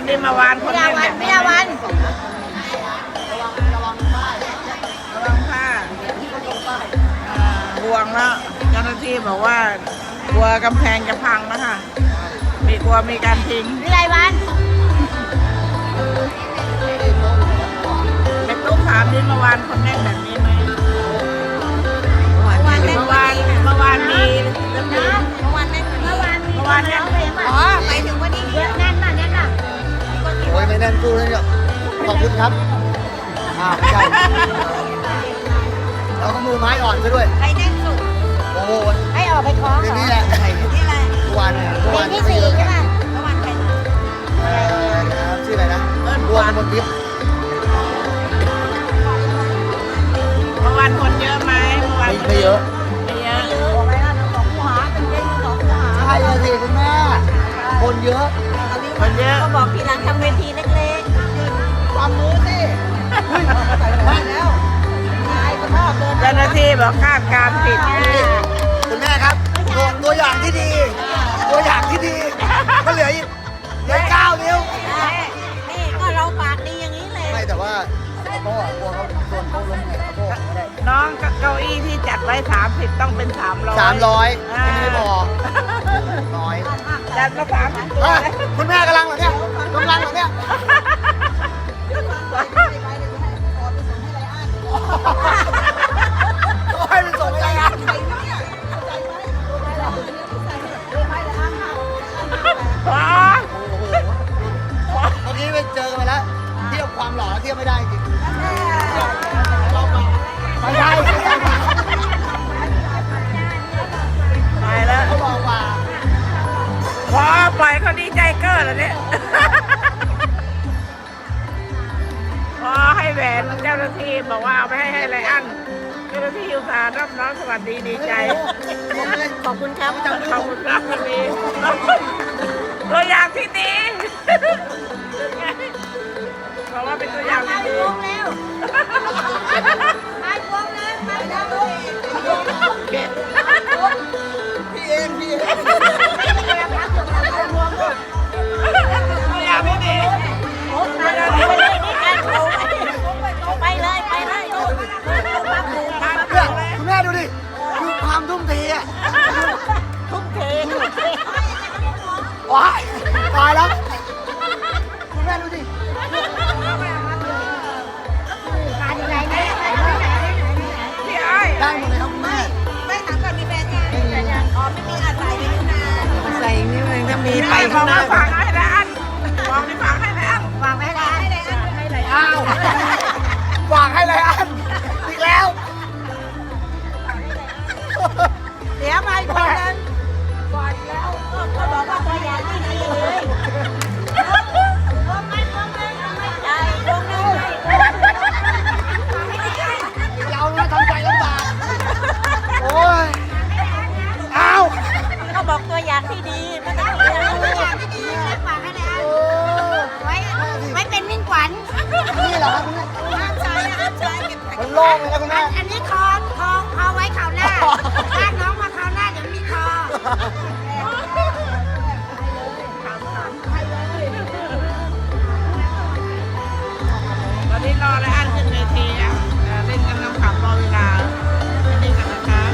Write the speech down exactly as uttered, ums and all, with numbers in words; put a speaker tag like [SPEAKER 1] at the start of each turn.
[SPEAKER 1] ดิมาวานคน
[SPEAKER 2] พิ
[SPEAKER 1] เล่
[SPEAKER 2] ยาน วั
[SPEAKER 1] เนี่ย
[SPEAKER 2] นพิยาวัน
[SPEAKER 1] ระวังผ้าอ่าห่วงแล้วเจ้าหน้าที่บอกว่ากลัวกำแพงจะพังนะคะมีกลัวมีการทิ้ง
[SPEAKER 2] พิไลวัน
[SPEAKER 1] เป็นลูกถามดินเมื่อวานคนแน่นแบบนี้ไหมเมื่อวานเมื่อวานเมื่อวานมีเรื่องนี้
[SPEAKER 2] เมื่อวานแน่นเมื่อวานมี
[SPEAKER 1] เมื่อวานเนี่ย
[SPEAKER 2] อ๋อหมายถึงวันนี้เยอะแน่นมากแน่นมาก
[SPEAKER 3] โอ้ยไม่แน่นตู้เลยเนี่ยขอบคุณครับอ่าไม่ใช่เราก็มือไม้อ่อนซะด้วย
[SPEAKER 2] ใครแน่นสุด
[SPEAKER 3] โอ้โห
[SPEAKER 2] ให้ออกไปคล้อง
[SPEAKER 3] เดี๋ยว
[SPEAKER 2] เหร
[SPEAKER 3] นี้
[SPEAKER 2] อ
[SPEAKER 3] แหละไอ้
[SPEAKER 2] นี่อะไร
[SPEAKER 3] ทุกวันเนี่ยทุก
[SPEAKER 2] เพล
[SPEAKER 3] วัน
[SPEAKER 2] งที่สี่ใช่ไหมเมื่อวานใคร
[SPEAKER 3] เอ่อชื่ออะไรนะรวมบนทิพย์
[SPEAKER 1] เมื่อวานคนเยอะไหมเมื่อวาน
[SPEAKER 3] ไม่ไม่เยอะ
[SPEAKER 1] ไม่เยอะ
[SPEAKER 2] บอกอะไรนะสองคู่หาเป็นเย็นสองคู่หา
[SPEAKER 3] ใช่เลยสิคุณแม่ คนเยอะ
[SPEAKER 1] คนเยอะ
[SPEAKER 2] ก็บอกทีหลังทำเวทีเล็กๆความมือสิบ้านแล้วนายก็ชอบเดิน
[SPEAKER 1] เจ้าหน้าที่บอกคาดการณ์ผิด
[SPEAKER 3] คุณแม่ครับตัวตัวอย่างที่ดี ตัวอย่างที่ดีก็เหลืออีกเหลือเก้านิ้ว
[SPEAKER 2] นี่ก็เราปากดีอย่างนี้เลย
[SPEAKER 3] ไม่แต่ว่าโต้กลัวเขาโดนเขาล้มแขนโต้ไม่ได้
[SPEAKER 1] น้องเก้าอี้ที่จัดไว้สามสิบต้องเป็นสามร้อย
[SPEAKER 3] สามร้อยไม่พอน้อย
[SPEAKER 1] จัดมาสามสิบตัว
[SPEAKER 3] อ่ะ
[SPEAKER 1] เลย
[SPEAKER 3] คุณแม่กำลังเหรอเนี่ยกำลังเหรอเนี่ยโอ้ยมันส่งอะไรอ่ะ
[SPEAKER 1] อ๋อ
[SPEAKER 3] โอ้โหเมื่อกี้ไปเจอกันไปแล้วเทียบความหล่อเทียบไม่ได้จริงไม่ใช่
[SPEAKER 1] ไปแล้ว
[SPEAKER 3] เขาบอกว่า
[SPEAKER 1] พอปล่อยเขาดีใจเก้อแล้วเนี่ยพอให้แหวนเจ้าหน้าที่บอกว่าเอาไปให้ให้ไรอันเจ้าหน้าที่อุตส่าห์รับน้องสวัสดีดีใจ
[SPEAKER 2] ขอบคุณครับ
[SPEAKER 1] ขอบคุณครับวันนี้ตัวอย่างที่ดีเพราะว่าเป็นตัวอย่างที่ดี
[SPEAKER 2] วงแล้วมาวงแล้วมาแล้ว
[SPEAKER 3] พี่เองพี่เอง
[SPEAKER 1] ตัวอย่างที่ดี
[SPEAKER 2] ไปเลยไปเลย
[SPEAKER 3] เนี่ยคุณแม่ดูดิคือความทุ่มเทอ่ะ
[SPEAKER 1] ทุ่มเท
[SPEAKER 3] ว้ายตายแล้วคุณแม่ดูดิ
[SPEAKER 2] มาที่ไหนไหนไหนไหน
[SPEAKER 1] พี่ไอ้
[SPEAKER 3] ได้หมดเลยครับคุณแม่
[SPEAKER 2] ไม่ถามก่อนมีแฟนยังมีแฟนยังอ๋อไม่มีอาศัยไปอยู่นาน
[SPEAKER 1] ใส่นี่มันก็มีไปข้างหน้าฟังให้ไรอันมองในฟังให้ไรอัน
[SPEAKER 2] วางไว้แล้วให้เลยให้เลย
[SPEAKER 3] อ้าววางให้เลยอันอีกแล้ว
[SPEAKER 2] เดี๋ยวมาอีกคนนึงก่อนแล้วก็เขาบอกว่าตัวอย่างที่ดีเลยลงไม่ลงไม่ลงไม่ใจลงไม่
[SPEAKER 3] เราเนี่ยทำใจลำบากโอ้ยอ้าว
[SPEAKER 2] เขาบอกตัวอย่างที่ดีไม่ต้องตัวอย่างที่ดีฝากให้เลย
[SPEAKER 3] โอ้
[SPEAKER 2] ไว้ไว้เป็นมิ่งขวัญ
[SPEAKER 3] นี่เหรอครับคุณแม่
[SPEAKER 2] ห้ามใช้ห้ามใช้เก็บ
[SPEAKER 3] มันโล่งเลยนะคุณแม่
[SPEAKER 2] อันนี้คอคอคอไว้ข่าวหน้าลากน้องมาข่าวหน้าเดี๋ยวมีคอ
[SPEAKER 1] ตอนนี้รอไรอันขึ้นเวทีอ่ะเล่นกันน้ำขับรอเวลา